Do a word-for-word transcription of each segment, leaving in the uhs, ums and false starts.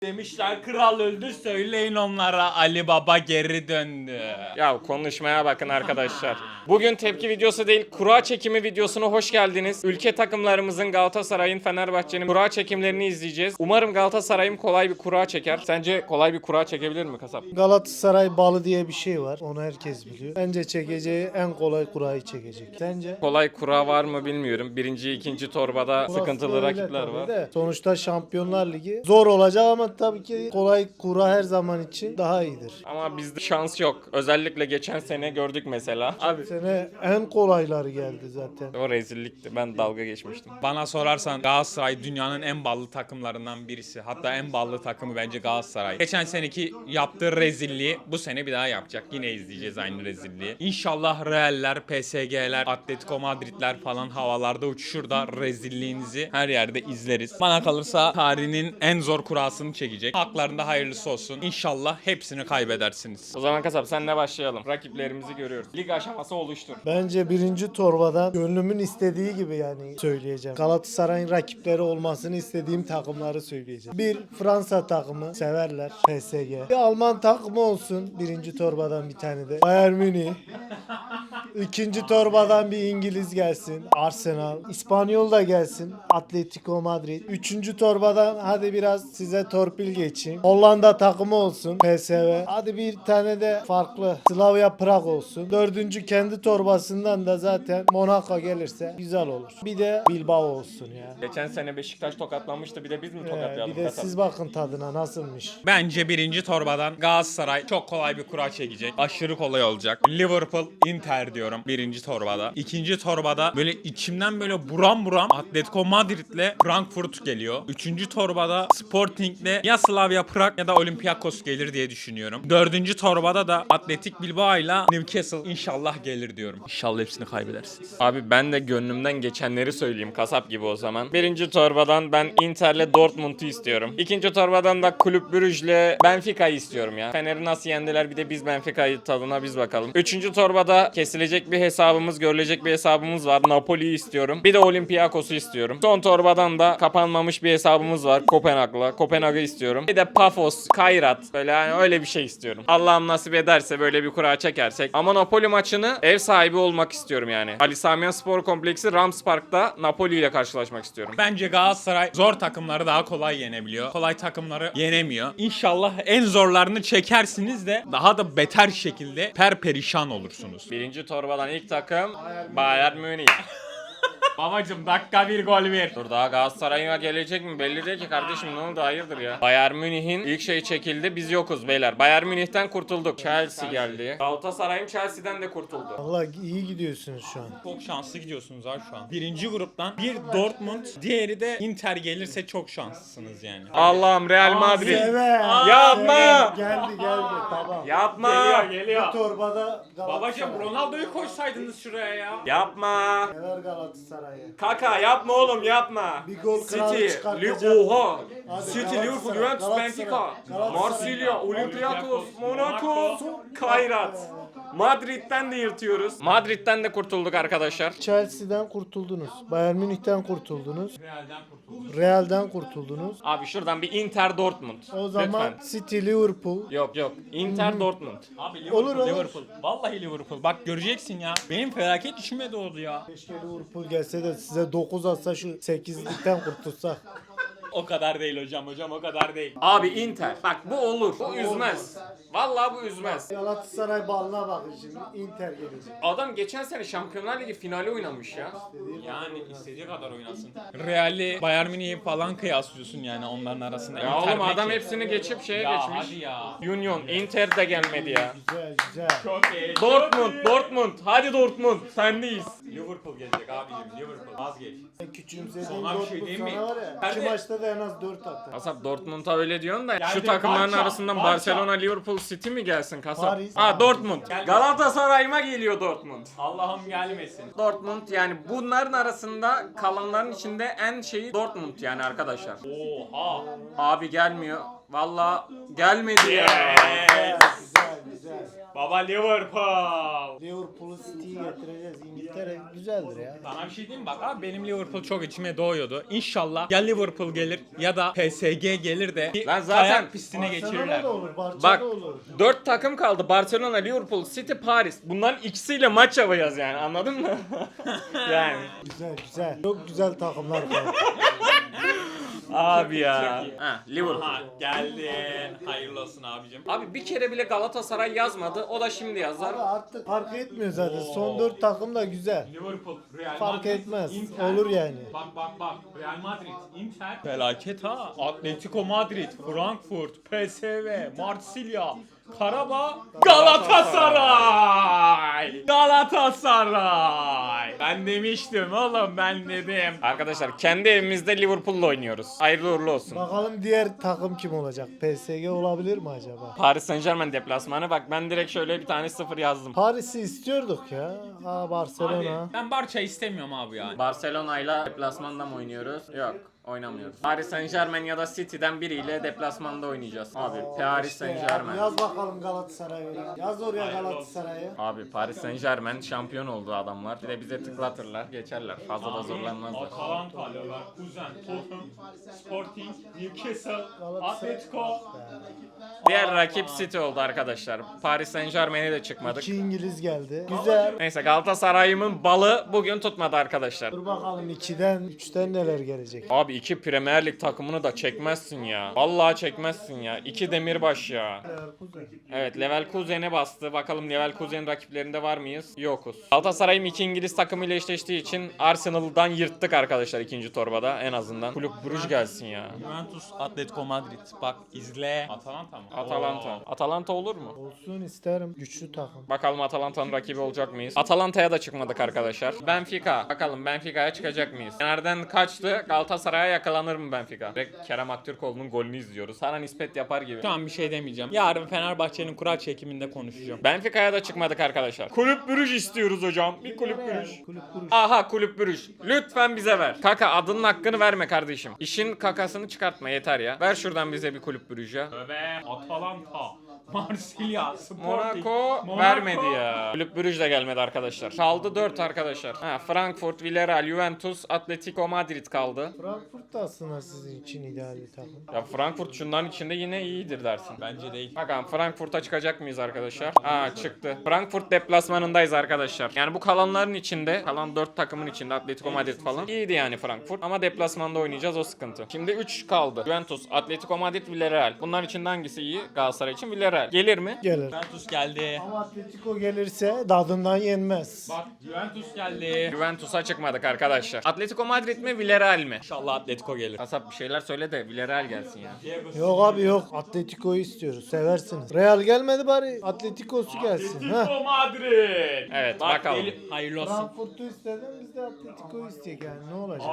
Demişler kral öldü, söyleyin onlara Ali Baba geri döndü. Ya konuşmaya bakın arkadaşlar. Bugün tepki videosu değil, kura çekimi videosuna hoş geldiniz. Ülke takımlarımızın, Galatasaray'ın, Fenerbahçe'nin kura çekimlerini izleyeceğiz. Umarım Galatasaray'ım kolay bir kura çeker. Sence kolay bir kura çekebilir mi kasap? Galatasaray balı diye bir şey var. Onu herkes biliyor. Bence çekeceği en kolay kurayı çekecek. Sence? Kolay kura var mı bilmiyorum. Birinci, ikinci torbada Burası sıkıntılı öyle rakipler tabii var. de. Sonuçta Şampiyonlar Ligi zor olacak ama tabii ki kolay kura her zaman için daha iyidir. Ama bizde şans yok. Özellikle geçen sene gördük mesela. Abi Sene en kolayları geldi zaten. o rezillikti. Ben dalga geçmiştim. Bana sorarsan Galatasaray dünyanın en ballı takımlarından birisi. Hatta en ballı takımı bence Galatasaray. Geçen seneki yaptığı rezilliği bu sene bir daha yapacak. Yine izleyeceğiz aynı rezilliği. İnşallah Real'ler, P S G'ler, Atletico Madrid'ler falan havalarda uçuşur da rezilliğinizi her yerde izleriz. Bana kalırsa tarihinin en zor kurasını çekecek. Haklarında hayırlısı olsun. İnşallah hepsini kaybedersiniz. O zaman kasap senle başlayalım. Rakiplerimizi görüyoruz. Lig aşaması oluştur. Bence birinci torbadan gönlümün istediği gibi yani söyleyeceğim. Galatasaray'ın rakipleri olmasını istediğim takımları söyleyeceğim. Bir Fransa takımı severler. P S G. Bir Alman takımı olsun. Birinci torbadan bir tane de. Bayern Münih. İkinci torbadan bir İngiliz gelsin. Arsenal. İspanyol da gelsin. Atletico Madrid. Üçüncü torbadan hadi biraz size torpil geçeyim. Hollanda takımı olsun. P S V. Hadi bir tane de farklı Slavia Prag olsun. Dördüncü kendi torbasından da zaten Monaco gelirse güzel olur. Bir de Bilbao olsun ya. Geçen sene Beşiktaş tokatlanmıştı. Bir de biz mi Ee, tokatlayalım bir de kasap? siz bakın tadına nasılmış. Bence birinci torbadan Galatasaray çok kolay bir kura çekecek. Aşırı kolay olacak. Liverpool, Inter diyorum birinci torbada. İkinci torbada böyle içimden böyle buram buram Atletico Madrid'le Frankfurt geliyor. Üçüncü torbada Sporting'le ya Slavia Prag ya da Olympiakos gelir diye düşünüyorum. Dördüncü torbada da Atletic Bilbao ile Newcastle inşallah gelir diyorum. İnşallah hepsini kaybedersiniz. Abi ben de gönlümden geçenleri söyleyeyim kasap gibi o zaman. Birinci torbadan ben Inter'le Dortmund'u istiyorum. İkinci torbadan da Kulüp Brugge'le Benfica'yı istiyorum ya. Fener'i nasıl yendiler bir de biz Benfica'yı tadına biz bakalım. Üçüncü torbada kesilecek bir hesabımız, görülecek bir hesabımız var. Napoli'yi istiyorum. Bir de Olympiakos'u istiyorum. Son torbadan da kapanmamış bir hesabımız var Kopenhag'la. Kopenhag'ı istiyorum. Bir de Pafos, Kairat böyle yani öyle bir şey istiyorum. Allah'ım nasip ederse böyle bir kura çekersek. Ama Napoli maçını ev sahibi olmak istiyorum yani. Ali Sami Yen Spor Kompleksi Rams Park'ta Napoli ile karşılaşmak istiyorum. Bence Galatasaray zor takımları daha kolay yenebiliyor. Kolay takımları yenemiyor. İnşallah en zorlarını çekersiniz de daha da beter şekilde perperişan olursunuz. Birinci torbadan ilk takım Bayern Münih. Babacım dakika bir gol ver. Dur daha Galatasaray'a gelecek mi belli değil ki kardeşim, ne oldu hayırdır ya. Bayern Münih'in ilk şey çekildi, biz yokuz beyler. Bayern Münih'ten kurtulduk. Chelsea geldi. Galatasaray'ın Chelsea'den de kurtuldu. Allah iyi gidiyorsunuz şu an. Çok şanslı gidiyorsunuz abi şu an. Birinci gruptan bir Dortmund, diğeri de Inter gelirse çok şanslısınız yani. Allah'ım Real Madrid. Seve. Yapma. Seve. Geldi geldi tamam. Yapma. Bu torbada Babacım Galatasaray. Ronaldo'yu koysaydınız şuraya ya. Yapma. Sever Galatasaray'ı. Kaka yapma oğlum yapma. Bir gol kralı City, çıkartacak. Li- Oha. Hadi City, Galatasaray, Liverpool, Juventus, Galatasaray, Benfica, Galatasaray. Marsilya, Olympiakos, Monaco, Monaco, Kairat. Madrid'den de yırtıyoruz. Madrid'den de kurtulduk arkadaşlar. Chelsea'den kurtuldunuz. Bayern Münih'ten kurtuldunuz. Real'den kurtulduk. Real'den kurtuldunuz. Abi şuradan bir Inter Dortmund. O zaman Lütfen. City Liverpool. Yok yok. Inter Dortmund. Abi Liverpool, Olur, olur. Liverpool. Vallahi Liverpool. Bak göreceksin ya. Benim felaket içime doğdu ya. Keşke Liverpool gelse de size dokuz atsa şu sekizlikten kurtulsak. O kadar değil hocam hocam o kadar değil. Abi Inter. Bak bu olur. Bu üzmez. Vallahi bu üzmez. Galatasaray balına bakın şimdi. Inter gelecek. Adam geçen sene Şampiyonlar Ligi finali oynamış ya. Yani istediği kadar oynasın. Real'i, Bayern Münih'i falan kıyaslıyorsun yani onların arasında. Ya Inter oğlum adam peki. hepsini geçip şeye Ya geçmiş. hadi ya. Union, Inter de gelmedi ya. Güzel güzel. Çok iyi. Dortmund, Dortmund. Hadi Dortmund. Sendeyiz. Liverpool gelecek abicim Liverpool. Vazgeç. Küçümsediğim Sana bir şey Dortmund diyeyim mi? sana var ya. Hadi. İki maçta da en az dört atar. Kasap Dortmund'a öyle diyorsun da şu Geldi, takımların Barça, arasından Barça. Barcelona, Liverpool, City mi gelsin kasap? Paris. Ha Dortmund. Geldi. Galatasaray'ıma geliyor Dortmund. Allah'ım gelmesin. Dortmund yani bunların arasında kalanların içinde en şeyi Dortmund yani arkadaşlar. Oha. Abi gelmiyor. Valla gelmedi ya. Yes. Güzel güzel. güzel. Baba Liverpool. Liverpool'u City'yi getireceğiz. İngiltere güzeldir ya. Sana bir şey diyeyim mi? Bak abi benim Liverpool çok içime doğuyordu. İnşallah ya Liverpool gelir ya da P S G gelir de bir Lan zaten kayak pistine geçirirler. Barcelona da olur, Barça Bak da olur. dört takım kaldı. Barcelona, Liverpool, City, Paris. Bunların ikisiyle maç yapacağız yani, anladın mı? Yani. Güzel güzel. Çok güzel takımlar var. Abi ya. Ha, Liverpool. Aha geldi. Hayırlı olsun abicim. Abi bir kere bile Galatasaray yazmadı. O da şimdi yazar. Abi artık fark etmiyor zaten. Son dört takım da güzel. Liverpool, Real Fark Madrid, etmez. Inter. Olur yani. Bak bak bak. Real Madrid, Inter. Felaket ha. Atletico Madrid, Frankfurt, P S V, Marsilya, Karabağ, Galatasaray. Galatasaray. Ben demiştim oğlum, ben dedim. Arkadaşlar kendi evimizde Liverpool'la oynuyoruz. Hayırlı uğurlu olsun. Bakalım diğer takım kim olacak? P S G olabilir mi acaba? Paris Saint-Germain deplasmanı. Bak ben direkt şöyle bir tane sıfır yazdım. Paris'i istiyorduk ya. Aa Barcelona. Abi, ben Barça istemiyorum abi ya. Barcelona ile deplasmanda mı oynuyoruz? Yok. Oynamıyoruz. Paris Saint-Germain ya da City'den biriyle deplasmanda oynayacağız. Abi Paris İşte Saint-Germain. abi, Yaz bakalım Galatasaray'ı. Yaz oraya Galatasaray'ı. Abi Paris Saint-Germain şampiyon oldu adamlar. Bir de bize tıklatırlar, geçerler. Fazla da zorlanmazlar. Atalanta, Leverkusen, Tottenham, Sporting, Newcastle, Galatasaray. Atletico. Diğer rakip City oldu arkadaşlar. Paris Saint-Germain'e de çıkmadık. İki İngiliz geldi. Güzel. Neyse Galatasaray'ımın balı bugün tutmadı arkadaşlar. Dur bakalım ikiden, üçten neler gelecek. Abi iki Premier Lig takımını da çekmezsin ya. Vallahi çekmezsin ya. İki demirbaş ya. Evet Leverkusen'e bastı. Bakalım Leverkusen rakiplerinde var mıyız? Yokuz. Galatasaray'ım iki İngiliz takımıyla eşleştiği için Arsenal'dan yırttık arkadaşlar ikinci torbada en azından. Kulüp Brugge gelsin ya. Juventus, Atletico Madrid. Bak izle. Atalanta mı? Atalanta. Atalanta olur mu? Olsun isterim. Güçlü takım. Bakalım Atalanta'nın rakibi olacak mıyız? Atalanta'ya da çıkmadık arkadaşlar. Benfica. Bakalım Benfica'ya çıkacak mıyız? Nereden kaçtı? Galatasaray'a yakalanır mı Benfica? Direkt Kerem Aktürkoğlu'nun golünü izliyoruz. Sana nispet yapar gibi. Şu an bir şey demeyeceğim. Yarın Fenerbahçe'nin kura çekiminde konuşacağım. Benfica'ya da çıkmadık arkadaşlar. Kulüp Brugge istiyoruz hocam. Bir kulüp Brugge. Kulüp kuruş. Aha kulüp Brugge. Lütfen bize ver. Kaka adının hakkını verme kardeşim. İşin kakasını çıkartma yeter ya. Ver şuradan bize bir kulüp Brugge ya. Tövbe. Atalanta, Marsilya, Sporting, Monaco vermedi ya. Kulüp Brugge de gelmedi arkadaşlar. Kaldı dört arkadaşlar. Ha, Frankfurt, Villarreal, Juventus, Atletico Madrid kaldı. Frankfurt da aslında sizin için ideal bir takım. Ya Frankfurt şunların içinde yine iyidir dersin. Bence değil. Bakalım Frankfurt'a çıkacak mıyız arkadaşlar? Aa çıktı. Frankfurt deplasmanındayız arkadaşlar. Yani bu kalanların içinde, kalan dört takımın içinde Atletico Madrid falan. İyiydi yani Frankfurt ama deplasmanda oynayacağız, o sıkıntı. Şimdi üç kaldı. Juventus, Atletico Madrid, Villarreal. Bunların içinde hangisi iyi? Galatasaray için Villarreal. Gelir mi? Gelir. Juventus geldi. Ama Atletico gelirse dadından yenmez. Bak Juventus geldi. Juventus'a çıkmadık arkadaşlar. Atletico Madrid mi, Villarreal mi? İnşallah Atletico gelir. Kasap bir şeyler söyle de Villarreal gelsin ya. Yok abi yok. Atletico'yu istiyoruz. Seversiniz. Real gelmedi bari Atletico'su gelsin. Ha. Atletico Madrid. Evet Bak, bakalım. Eli- hayırlı olsun. Frankfurt'u istedim biz de Atletico'yu isteyecek yani ne olacak?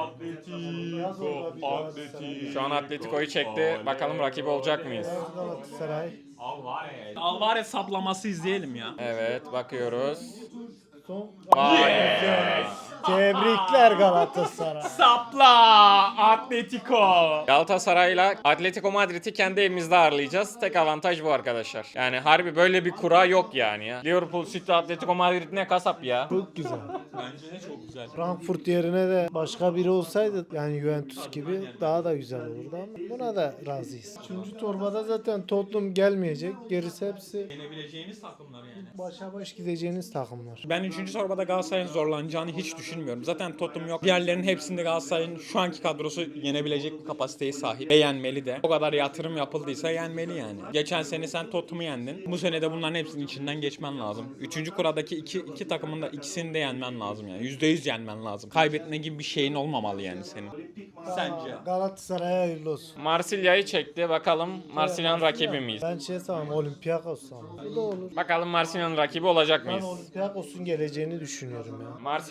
Yaz orada bir Atletico, Galatasaray. Atletico. Şu an Atletico'yu çekti. Bakalım rakibi olacak mıyız? Evet, Galatasaray. Alvarez. Alvarez saplaması izleyelim ya. Evet bakıyoruz. Son. Vay. Tebrikler Galatasaray. Sapla Atletico. Galatasaray'la Atletico Madrid'i kendi evimizde ağırlayacağız. Tek avantaj bu arkadaşlar. Yani harbi böyle bir kura yok yani ya. Liverpool, City, Atletico Madrid ne kasap ya. Çok güzel. Bence de çok güzel. Frankfurt yerine de başka biri olsaydı yani Juventus gibi daha da güzel olurdu ama buna da razıyız. Üçüncü torbada zaten Tottenham gelmeyecek. Gerisi hepsi Yenebileceğimiz takımlar yani. başa baş gideceğiniz takımlar. Ben üçüncü torbada Galatasaray'ın zorlanacağını hiç düşünmüyorum. Zaten Tottenham yok. Diğerlerinin hepsinde Galatasaray'ın şu anki kadrosu yenebilecek bir kapasiteye sahip. Ve yenmeli de. O kadar yatırım yapıldıysa yenmeli yani. Geçen sene sen Tottenham'ı yendin. Bu sene de bunların hepsinin içinden geçmen lazım. Üçüncü kuradaki iki, iki takımın da ikisini de yenmen lazım yani. Yüzde yüz yenmen lazım. Kaybetme gibi bir şeyin olmamalı yani senin. Sence? Galatasaray'a hayırlı olsun. Marsilya'yı çekti. Bakalım Marsilya'nın rakibi miyiz? Ben şey sanırım Olympiakos sanırım. Bu da olur. Bakalım Marsilya'nın rakibi olacak Ben mıyız? Olympiakos'un geleceğini düşünüyorum ya. Marsilya'ya gelmedi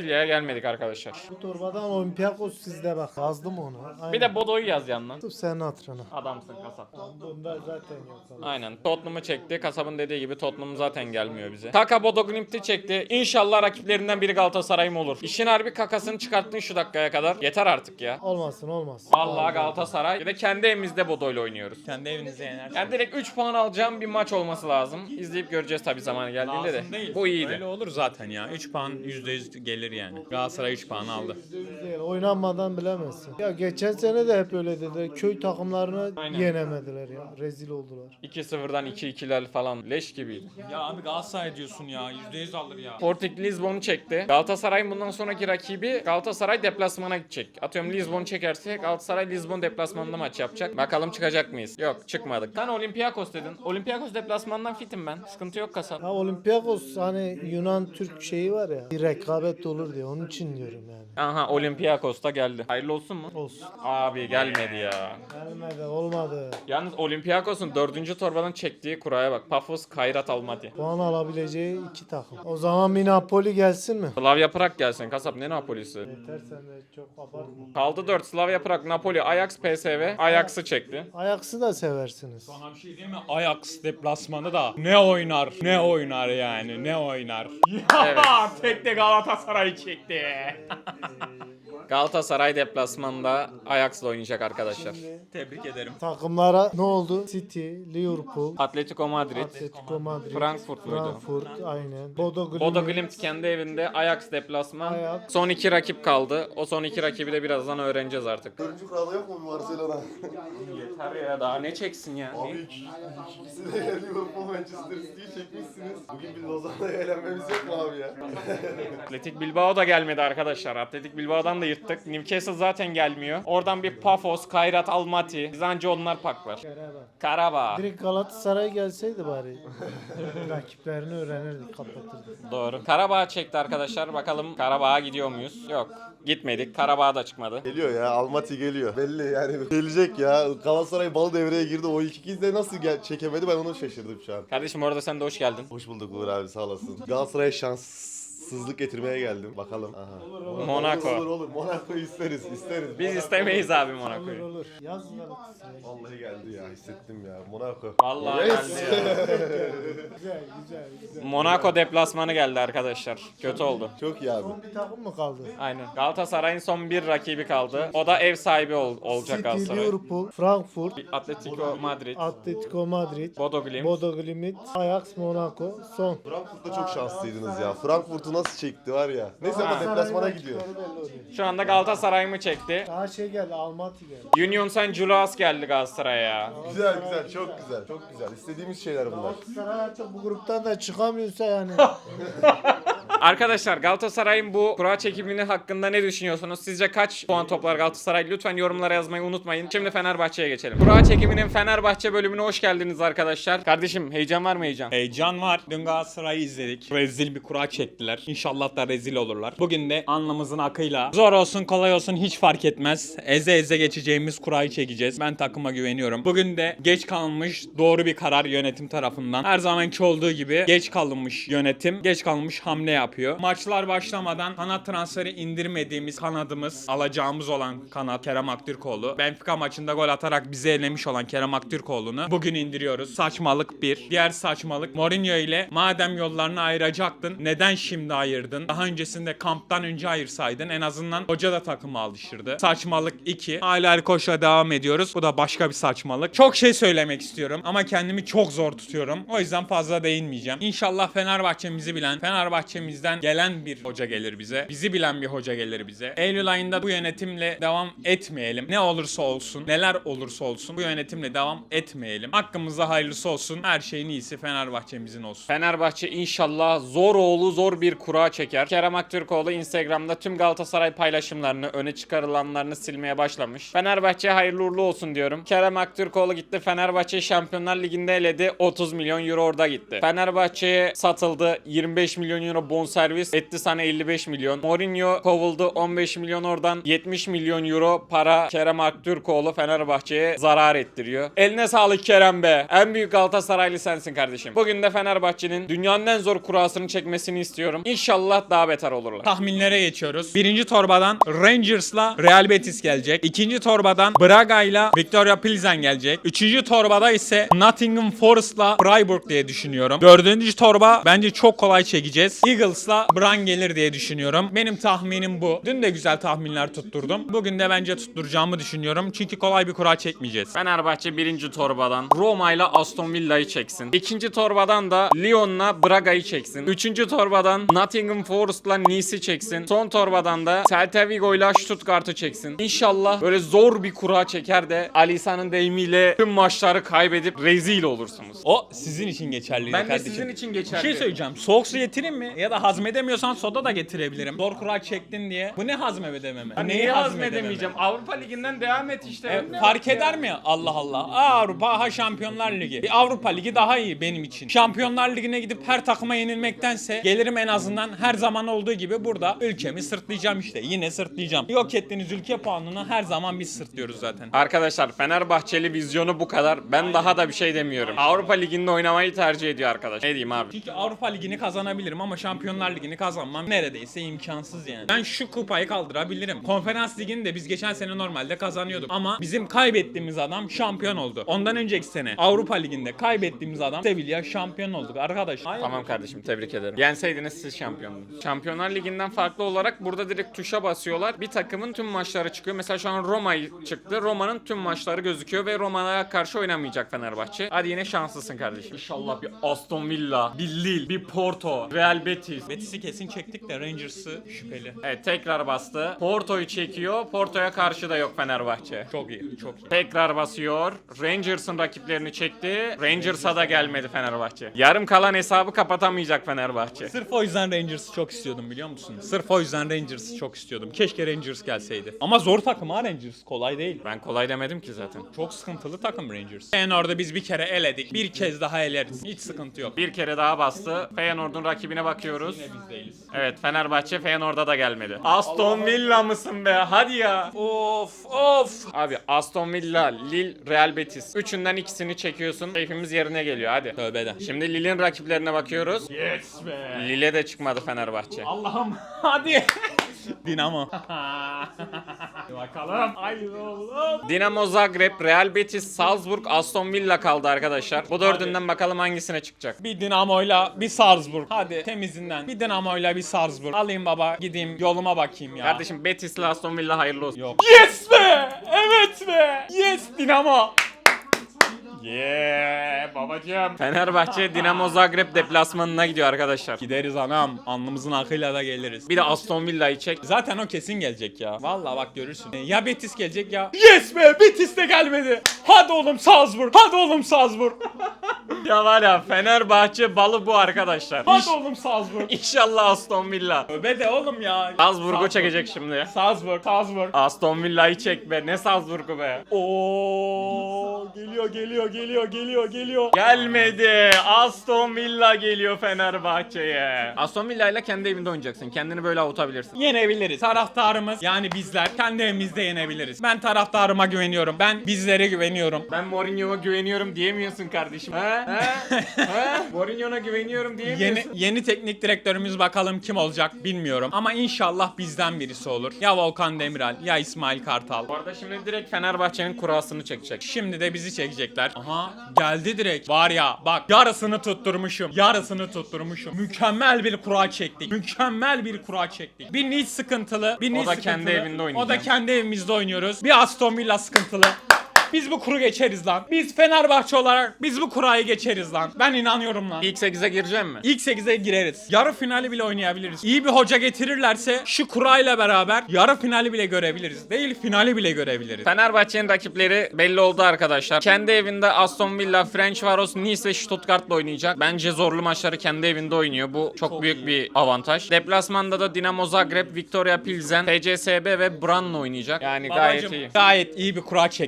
beğenmedik arkadaşlar. Bu torbadan Olympiakos sizde bak. Yazdım onu. Aynen. Bir de Bodo'yu yaz yandan. Sırf senin hatırına. Adamsın kasap. Bunda zaten yok. Aynen. Tottenham'ı çekti. Kasabın dediği gibi Tottenham zaten gelmiyor bize. Kaka Bodo Glimt'i çekti. İnşallah rakiplerinden biri Galatasaray'ım olur. İşin harbi kakasını çıkarttın şu dakikaya kadar. Yeter artık ya. Olmasın olmasın. Vallahi Galatasaray. Bir de kendi evimizde Bodo'yla oynuyoruz. Kendi evinize yener. Yani direkt üç puan alacağım bir maç olması lazım. İzleyip göreceğiz tabii zamanı geldiğinde de. Lazım değil. Bu iyiydi. Öyle olur zaten ya. üç puan yüzde yüz gelir yani. Galatasaray üç puan aldı. Değil, oynanmadan bilemezsin. Ya geçen sene de hep öyle dediler. Köy takımlarını Aynen. yenemediler ya. Rezil oldular. iki sıfırdan iki ikiler falan leş gibiydi. Ya abi Galatasaray diyorsun ya. yüzde yüz alır ya. Sporting Lisbon'u çekti. Galatasaray'ın bundan sonraki rakibi Galatasaray deplasmana gidecek. Atıyorum Lisbon'u çekerse Galatasaray Lisbon deplasmanında maç yapacak. Bakalım çıkacak mıyız? Yok çıkmadık. Sen Olympiakos dedin. Olympiakos deplasmandan fitim ben. Sıkıntı yok kasap. Ya Olympiakos hani Yunan Türk şeyi var ya. Bir rekabet olur diye. Onun için diyorum yani. Aha Olympiakos da geldi. Hayırlı olsun mu? Olsun. Abi gelmedi ya. Gelmedi olmadı. Yalnız Olympiakos'un dördüncü torbadan çektiği kuraya bak. Pafos Kayrat Almaty. Puan alabileceği iki takım. O zaman bir Napoli gelsin mi? Slavia Prag gelsin. Kasap ne Napoli'si? Yeter sen de çok abartma. Kaldı dört. Slavia Prag, Napoli, Ajax, P S V. Ajax'ı çekti. Ajax'ı da seversiniz. Sana bir şey diyeyim mi? Ajax deplasmanı da ne oynar? Ne oynar yani? Ne oynar? Evet. Tek de Galatasaray çekti. Galatasaray deplasmanda Ajax'la oynayacak arkadaşlar. Tebrik ederim. Takımlara ne oldu? City, Liverpool, Atletico Madrid, Atletico Madrid, Frankfurt muydu? Frankfurt aynen. Bodo Glimt. Bodo Glimt kendi evinde, Ajax deplasman. Ajax. Son iki rakip kaldı. O son iki rakibi de birazdan öğreneceğiz artık. Dördüncü kurada yok mu bir Barcelona? Yeter ya daha ne çeksin ya? Abi iki, ikisi de Liverpool Manchester City'yi çekmişsiniz. Bugün bir Lozan'la eğlenmemiz yok mu abi ya? Atletik Bilbao da gelmedi arkadaşlar. Atletik Bilbao'dan da yırttık. Newcastle zaten gelmiyor. Oradan bir Pafos, Kayrat Almaty. Biz anca onlar paklar. Karabağ. Direkt Galatasaray gelseydi bari. Rakiplerini öğrenirdik, kapatırdık. Doğru. Karabağ çekti arkadaşlar. Bakalım Karabağ'a gidiyor muyuz? Yok. Gitmedik. Karabağ da çıkmadı. Geliyor ya, Almaty geliyor. Belli yani gelecek ya. Galatasaray bal devreye girdi. O ilk ikiz de nasıl gel çekemedi ben onu şaşırdım şu an. Kardeşim orada sen de hoş geldin. Hoş bulduk Uğur abi sağ olasın. Galatasaray'a şanssızlık getirmeye geldim. Bakalım. Aha. Monaco. Olur olur. Monaco'yu isteriz, isteriz. Biz istemeyiz abi Monaco'yu. Olur. Yaz Galatasaray. Vallahi geldi ya, hissettim ya. Monaco. Vallahi Yes. geldi ya. Güzel güzel güzel. Monaco deplasmanı geldi arkadaşlar. Kötü oldu. Çok iyi abi. Son bir takım mı kaldı? Aynen. Galatasaray'ın son bir rakibi kaldı. O da ev sahibi ol- olacak City, Galatasaray. Liverpool, Frankfurt, Atletico Madrid, Atletico Madrid, Bodo Glimt. Bodo Glimt, Ajax, Monaco, son. Frankfurt'ta çok şanslıydınız ya. Frankfurt'u nasıl çekti var ya. Neyse ama deplasmana gidiyor. Şu anda Galatasaray mı çekti? Daha şey geldi, Almaty geldi. Union Saint Julius geldi Galatasaray'a ya. Güzel güzel, çok güzel, çok güzel. İstediğimiz şeyler bunlar. Galatasaray artık bu gruptan da çıkamıyorsa yani. Arkadaşlar Galatasaray'ın bu kura çekimini hakkında ne düşünüyorsunuz? Sizce kaç puan toplar Galatasaray? Lütfen yorumlara yazmayı unutmayın. Şimdi Fenerbahçe'ye geçelim. Kura çekiminin Fenerbahçe bölümüne hoş geldiniz arkadaşlar. Kardeşim heyecan var mı heyecan? Heyecan var. Dün Galatasaray'ı izledik. Rezil bir kura çektiler. İnşallah da rezil olurlar. Bugün de alnımızın akıyla zor olsun kolay olsun hiç fark etmez. Eze eze geçeceğimiz kurayı çekeceğiz. Ben takıma güveniyorum. Bugün de geç kalınmış doğru bir karar yönetim tarafından. Her zamanki olduğu gibi geç kalınmış yönetim, geç kalınmış hamle yapıyor. Maçlar başlamadan kanat transferi indirmediğimiz kanadımız, alacağımız olan kanat Kerem Aktürkoğlu. Benfica maçında gol atarak bizi elemiş olan Kerem Aktürkoğlu'nu bugün indiriyoruz. Saçmalık bir. Diğer saçmalık Mourinho ile madem yollarını ayıracaktın neden şimdi ayırdın? Daha öncesinde kamptan önce ayırsaydın en azından hoca da takımı alıştırdı. Saçmalık iki. Hala Ali Koç'la devam ediyoruz. Bu da başka bir saçmalık. Çok şey söylemek istiyorum ama kendimi çok zor tutuyorum. O yüzden fazla değinmeyeceğim. İnşallah Fenerbahçemizi bilen, Fenerbahçemizden gelen bir hoca gelir bize. Bizi bilen bir hoca gelir bize. Eylül ayında bu yönetimle devam etmeyelim. Ne olursa olsun, neler olursa olsun bu yönetimle devam etmeyelim. Hakkımızda hayırlısı olsun. Her şeyin iyisi Fenerbahçemizin olsun. Fenerbahçe inşallah zor oğlu zor bir kura çeker. Kerem Aktürkoğlu Instagram'da tüm Galatasaray paylaşımlarını, öne çıkarılanlarını silmeye başlamış. Fenerbahçe hayırlı uğurlu olsun diyorum. Kerem Aktürkoğlu gitti Fenerbahçe Şampiyonlar Ligi'nde eledi. otuz milyon euro orada gitti. Fenerbahçe'ye satıldı. yirmi beş milyon euro bonservis bonservis etti sana elli beş milyon. Mourinho kovuldu, on beş milyon oradan yetmiş milyon euro para Kerem Aktürkoğlu Fenerbahçe'ye zarar ettiriyor. Eline sağlık Kerem be. En büyük Galatasaraylı sensin kardeşim. Bugün de Fenerbahçe'nin dünyanın en zor kurasını çekmesini istiyorum. İnşallah daha beter olurlar. Tahminlere geçiyoruz. Birinci torbadan Rangers'la Real Betis gelecek. İkinci torbadan Braga'yla Victoria Pilsen gelecek. Üçüncü torbada ise Nottingham Forest'la Freiburg diye düşünüyorum. Dördüncü torba bence çok kolay çekeceğiz. Eagles'la Brann gelir diye düşünüyorum. Benim tahminim bu. Dün de güzel tahminler tutturdum. Bugün de bence tutturacağımı düşünüyorum. Çünkü kolay bir kura çekmeyeceğiz. Fenerbahçe birinci torbadan Roma ile Aston Villa'yı çeksin. İkinci torbadan da Lyon'la Braga'yı çeksin. Üçüncü torbadan Nottingham Forest'la Nice'i çeksin. Son torbadan da Celta Vigo'yla Stuttgart'ı çeksin. İnşallah böyle zor bir kura çeker de Alisa'nın deyimiyle tüm maçları kaybedip rezil olursunuz. O sizin için geçerli Ben de kardeşim. sizin için Bir geçerli. şey söyleyeceğim. Soğuk su getireyim mi? Ya da hazmedemiyorsan soda da getirebilirim. Zor kura çektin diye. Bu ne hazmedememe? Ya neyi hazmedemeyeceğim? Avrupa Ligi'nden devam et işte. E, Ne fark ya? eder mi? Allah Allah. Aa, Avrupa ha Şampiyonlar Ligi. Bir Avrupa Ligi daha iyi benim için. Şampiyonlar Ligi'ne gidip her takıma yenilmektense gelirim en azından her zaman olduğu gibi burada ülkemi sırtlayacağım işte. Yine sırtlayacağım. Yok ettiğiniz ülke puanını her zaman biz sırtlıyoruz zaten. Arkadaşlar Fenerbahçeli vizyonu bu kadar. Ben daha da bir şey demiyorum. Avrupa Ligi'nde oynamayı tercih ediyor arkadaş. Ne diyeyim abi? Çünkü Avrupa Ligi'ni kazanabilirim ama Şampiyonlar Ligi'ni kazanmam neredeyse imkansız yani. Ben şu kupayı kaldırabilirim. Konferans Ligi'ni de biz geçen sene normalde kazanıyorduk ama bizim kaybettiğimiz adam şampiyon oldu. Ondan önceki sene Avrupa Ligi'nde kaybettiğimiz adam Sevilla şampiyon olduk arkadaş. Tamam kardeşim, tebrik ederim. Yenseydiniz siz şampiyondunuz. Şampiyonlar Ligi'nden farklı olarak burada direkt tuşa basıyorlar. Bir takımın tüm maçları çıkıyor. Mesela şu an Roma çıktı. Roma'nın tüm maçları gözüküyor ve Roma'ya karşı oynamayacak Fenerbahçe. Hadi yine şanslısın kardeşim. İnşallah bir Aston Villa, bir Lille, bir Porto, Real Betis. Betis'i kesin çektik de Rangers'ı şüpheli. Evet, tekrar bastı. Porto'yu çekiyor. Porto'ya karşı da yok Fenerbahçe. Çok iyi, çok iyi. Tekrar basıyor. Rangers'ın rakiplerini çekti. Rangers'a da gelmedi Fenerbahçe. Yarım kalan hesabı kapatamayacak Fenerbahçe. Sırf o yüzden Rangers'ı çok istiyordum biliyor musun? Sırf o yüzden Rangers'ı çok istiyordum. Keşke Rangers gelseydi. Ama zor takım ha Rangers. Kolay değil. Ben kolay demedim ki zaten. Çok sıkıntılı takım Rangers. Feyenoord'u biz bir kere eledik. Bir kez daha eleriz. Hiç sıkıntı yok. Bir kere daha bastı. Feyenoord'un rakibine bakıyoruz. Yine biz değiliz. Evet, Fenerbahçe Feyenoord'a da gelmedi. Aston Villa mısın be? Hadi ya. Of of. Abi Aston Villa, Lille, Real Betis. Üçünden ikisini çekiyorsun. Keyfimiz yerine geliyor hadi. Tövbe de. Şimdi Lille'in rakiplerine bakıyoruz. Yes be. Lille de çıkmadı Fenerbahçe. Allah'ım hadi. Dinamo. Bakalım. Haydi oğlum. Dinamo Zagreb, Real Betis, Salzburg, Aston Villa kaldı arkadaşlar. Bu dördünden bakalım hangisine çıkacak. Bir Dinamo'yla bir Salzburg. Hadi temizinden. Bir Dinamo'yla bir Salzburg. Alayım baba gideyim yoluma bakayım ya. Kardeşim Betis'le Aston Villa hayırlı olsun. Yok. Yes be! Evet be! Yes Dinamo! Yeah babacığım. Fenerbahçe Dinamo Zagreb deplasmanına gidiyor arkadaşlar. Gideriz anam. Alnımızın akıyla da geliriz. Bir de Aston Villa'yı çek. Zaten o kesin gelecek ya. Vallahi bak görürsün. Ya Betis gelecek ya. Yes be! Betis de gelmedi. Hadi oğlum Salzburg. Hadi oğlum Salzburg. Ya var ya, Fenerbahçe balı bu arkadaşlar. Hadi oğlum Salzburg. İnşallah Aston Villa. Öbe de oğlum ya. Salzburg'u çekecek şimdi. Salzburg. Salzburg. Aston Villa'yı çek be. Ne Salzburg'u be. Oo geliyor geliyor geliyor geliyor geliyor. Gelmedi. Aston Villa geliyor Fenerbahçe'ye. Aston Villa ile kendi evinde oynayacaksın. Kendini böyle avutabilirsin. Yenebiliriz. Taraftarımız yani bizler kendi evimizde yenebiliriz. Ben taraftarıma güveniyorum. Ben bizlere güveniyorum. Ben Mourinho'ya güveniyorum diyemiyorsun kardeşim. He? He? He? Mourinho'ya güveniyorum diyemiyorsun. Yeni yeni teknik direktörümüz bakalım kim olacak bilmiyorum. Ama inşallah bizden birisi olur. Ya Volkan Demirel ya İsmail Kartal. Bu arada şimdi direkt Fenerbahçe'nin kurasını çekecek. Şimdi de bizi çekecekler. Aha geldi direkt. Var ya bak yarısını tutturmuşum. Yarısını tutturmuşum. Mükemmel bir kura çektik. Mükemmel bir kura çektik. Bir Nice sıkıntılı. Bir Nice da sıkıntılı. kendi evinde oynayacak. O da kendi evimizde oynuyoruz. Bir Aston Villa sıkıntılı. Biz bu kuru geçeriz lan. Biz Fenerbahçe olarak biz bu kurayı geçeriz lan. Ben inanıyorum lan. İlk sekize gireceğim mi? İlk sekize gireriz. Yarı finali bile oynayabiliriz. İyi bir hoca getirirlerse şu kurayla beraber yarı finali bile görebiliriz. Değil finali bile görebiliriz. Fenerbahçe'nin rakipleri belli oldu arkadaşlar. Kendi evinde Aston Villa, Ferencvaros, Nice ve Stuttgart'la oynayacak. Bence zorlu maçları kendi evinde oynuyor. Bu çok, Çok büyük iyi. bir avantaj. Deplasmanda da Dinamo Zagreb, Victoria Pilsen, F C S B ve Brann'la oynayacak. Yani gayet Babacım, iyi. gayet iyi bir kura çektik bu arada.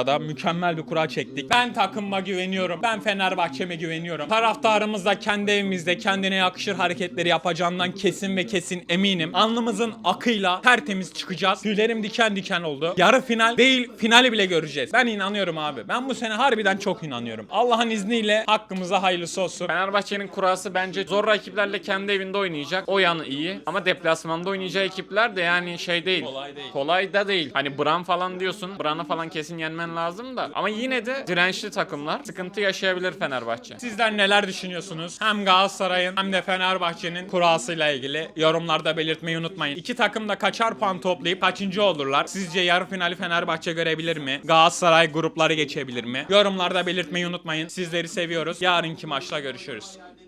Avrupa'da da mükemmel bir kura çektik. Ben takımıma güveniyorum. Ben Fenerbahçe'me güveniyorum. Taraftarımız da kendi evimizde kendine yakışır hareketleri yapacağından kesin ve kesin eminim. Alnımızın akıyla tertemiz çıkacağız. Tüylerim diken diken oldu. Yarı final değil, finali bile göreceğiz. Ben inanıyorum abi. Ben bu sene harbiden çok inanıyorum. Allah'ın izniyle hakkımıza hayırlısı olsun. Fenerbahçe'nin kurası bence zor rakiplerle kendi evinde oynayacak. O yanı iyi. Ama deplasmanda oynayacağı ekipler de yani şey değil. Kolay değil. Kolay da değil. Hani Bran falan diyorsun. Bran'ı falan kesin yenmen lazım da. Ama yine de dirençli takımlar. Sıkıntı yaşayabilir Fenerbahçe. Sizler neler düşünüyorsunuz? Hem Galatasaray'ın hem de Fenerbahçe'nin kurasıyla ilgili yorumlarda belirtmeyi unutmayın. İki takım da kaçar puan toplayıp kaçıncı olurlar? Sizce yarı finali Fenerbahçe görebilir mi? Galatasaray grupları geçebilir mi? Yorumlarda belirtmeyi unutmayın. Sizleri seviyoruz. Yarınki maçla görüşürüz.